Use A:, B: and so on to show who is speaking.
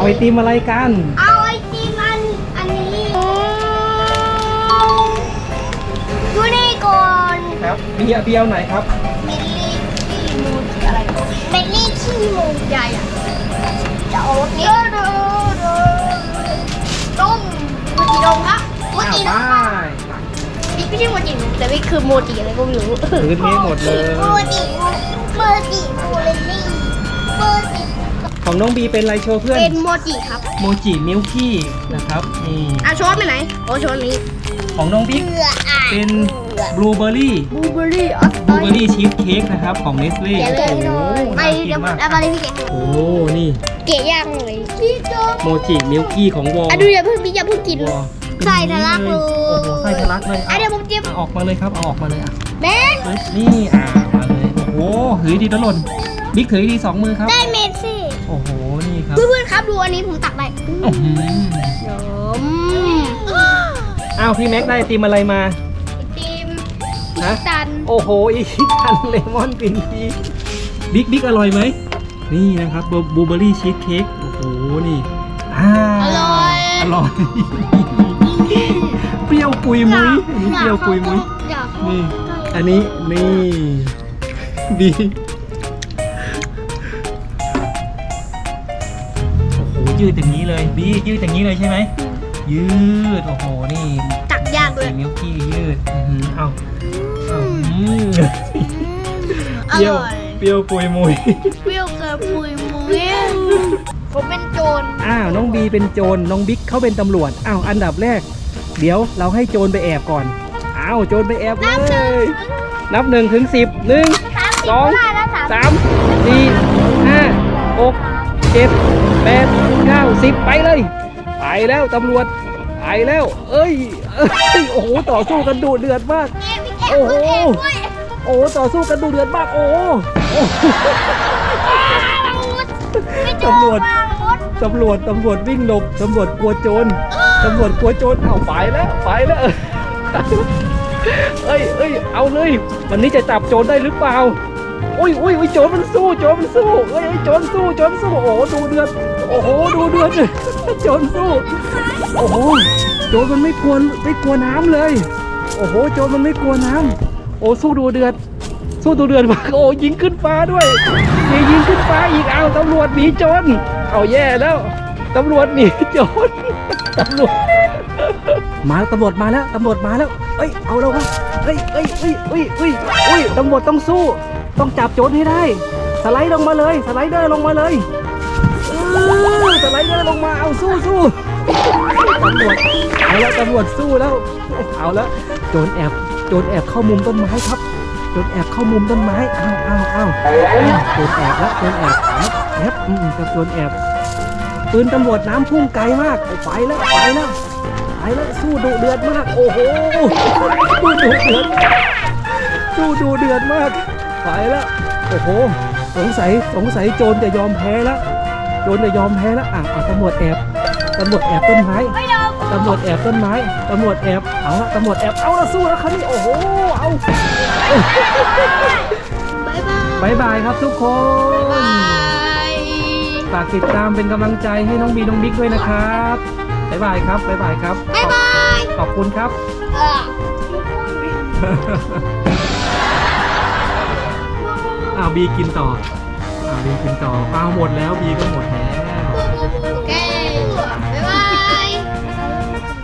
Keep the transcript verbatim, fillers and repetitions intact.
A: ไอติมอะไรกัน
B: เอาไอติมอันอันนี้ดูนี่ก่อน
A: ครับเบียร์เบียร์ไหนครับ
B: เมลลี่ขี้มูดอะไรเมลลี่ขี้มูดใหญ่อะจะเอารถนี้ต้มโมจิดงครับโมจิดงนี่ไม่ใช่โมจิแต่นี่คือโมจิอะไรก็ไม่รู้
A: ถือนี้หมดเลย
B: โมจิโมจิโมเลลี่โมจิ
A: ของน้องบีเป็นอะไรโชว์เพื่อน
B: เป็นโมจิครับ
A: โมจิมิลกี้นะครับนี่
B: อ่ะช้อนไปไหนโอ้ช้อนนี้
A: ของน้องบิ๊กเป็นบลูเบอร์รี่
B: บลูเบอร์รี่ออส
A: บลูเบอร์รี่ชีสเค้กนะครับของเนสเล่
B: โอ้โหไปเดี๋ยวแล้วมาเลยพี่แก
A: โอ้นี่
B: เก๋ย่างเลยพี่โจ
A: โมจิมิลกี้ของวอล
B: อ่ะดูอย่าเพิ่งพี่อย่าเพิ่งกินใส่ทะลักเลย
A: โอ้โหใส่ทะลักเลย
B: อ่ะเดี๋ยวผมจิ้ม
A: ออกมาเลยครับเอาออกมาเลยอ่ะ
B: แม่
A: นี่อ่ะมาเลยโอ้โหถือดีตะหล่นบิ๊กถือดีสองมือครับ
B: ได้เมสซี่
A: โอ้โหนี่ครับ
B: เพื่อนๆครับดูอันนี้ผมตักได้ยม
A: อ้าวพี่แม็กได้ไอติมอะไรมา
B: ไอติม
A: ฮะ
B: ตัน
A: โอ้โหอีกตันเลมอนกลิ่นทีบิ๊กบิ๊กอร่อยไหมนี่นะครับบลูเบอร์รี่ชีสเค้กโอ้โหนี่อ่า
B: อร่อย
A: อร่อยเปรี้ยวปุยมุ้ยอันนี้เปรี้ยวปุยมุ้ยนี่อันนี้นี่ดีโอ้โหยืดอย่างนี้เลยบียืดอย่างนี้เลยใช่ไหมยืดโอ้โหนี่
B: ตักยากเลย
A: มิลกี้ยืดเอาเอา
B: อร่อย
A: เปรี้ยวปุยมุ้ย
B: เปรี้ยวเกินปุยมุ้ยผมเป็นโจร
A: อ้าวน้องบีเป็นโจรน้องบิ๊กเขาเป็นตำรวจอ้าวอันดับแรกเดี๋ยวเราให้โจรไปแอบก่อนอ้าวโจรไปแอบเลยนับหนึ่งถึงสิบหนึ่งสองสามสี่ห้าหกเจ็ดแปดเก้าสิบไปเลยไปแล้วตำรวจไปแล้วเอ้ยเอ้ยโอ้โหต่อสู้กันดุเดือดมากโอ้โหโอ้ต่อสู้กันดุเดือดมากโอ้ตำรวจตำรวจตำรวจวิ่งหลบตำรวจกลัวโจรตำรวจกลัวโจรเอาไปแล้วไปแล้วเอ้ยเอ้ยเอาเลยวันนี้จะจับโจรได้หรือเปล่าอุ้ยอุ้ยอุ้ยโจรมันสู้โจรมันสู้เอ้ยโจรสู้โจรสู้โอ้โหดูเดือดโอ้โหดูเดือดโจรสู้โอ้โหโจรมันไม่กลัวไม่กลัวน้ำเลยโอ้โหโจรมันไม่กลัวน้ำโอ้สู้ดูเดือดสู้ดูเดือดมากโอ้ยิงขึ้นฟ้าด้วยมียิงขึ้นฟ้าอีกเอาตำรวจหนีโจรเอาแย่แล้วตำรวจหนีโจรตำรวจมาตำรวจมาแล้วตำรวจมาแล้วเอ้ยเอาแล้ววะเอ้ยเอ้ยเอ้ยเอ้ยเอ้ยเอ้ยตำรวจต้องสู้ต้องจับโจรให้ได้สไลด์ลงมาเลยสไลเดอร์ลงมาเลยเออสไลเดอร์ลงมาเอาสู้สู้ตำรวจเอาแล้วตำรวจสู้แล้วเอาแล้วโจรแอบโจรแอบเข้ามุมต้นไม้ครับโจรแอบเข้ามุมต้นไม้อ้าวอ้าวอ้าวโจรแอบแล้วโจรแอบแอบแอบอืมกับโจรแอบปืนตำรวจน้ำพุ่งไกลมากไปแล้วไปแล้วไปแล้วสู้ดุเดือดมากโอ้โหสู้ดุเดือดสู้ดุเดือดมากไปแล้วโอ้โหสงสัยสงสัยโจรจะยอมแพ้แล้วโจรจะยอมแพ้แล้วอ่ะตำรวจแอบตำรวจแอบต้นไม้ตำรวจแอบต้นไม้ตำรวจแอบเอาละตำรวจแอบเอาละสู้แล้วครับนี่โอ้โหเอาบายบายครับทุกคนฝากติดตามเป็นกำลังใจให้น้องบีน้องบิ๊กด้วยนะครับบายบายครับบายบายครับ
B: บายบาย
A: ขอบคุณครับอ้าวบีกินต่ออ้าวบีกินต่ออ้าวหมดแล้วบีก็หมดแล้ว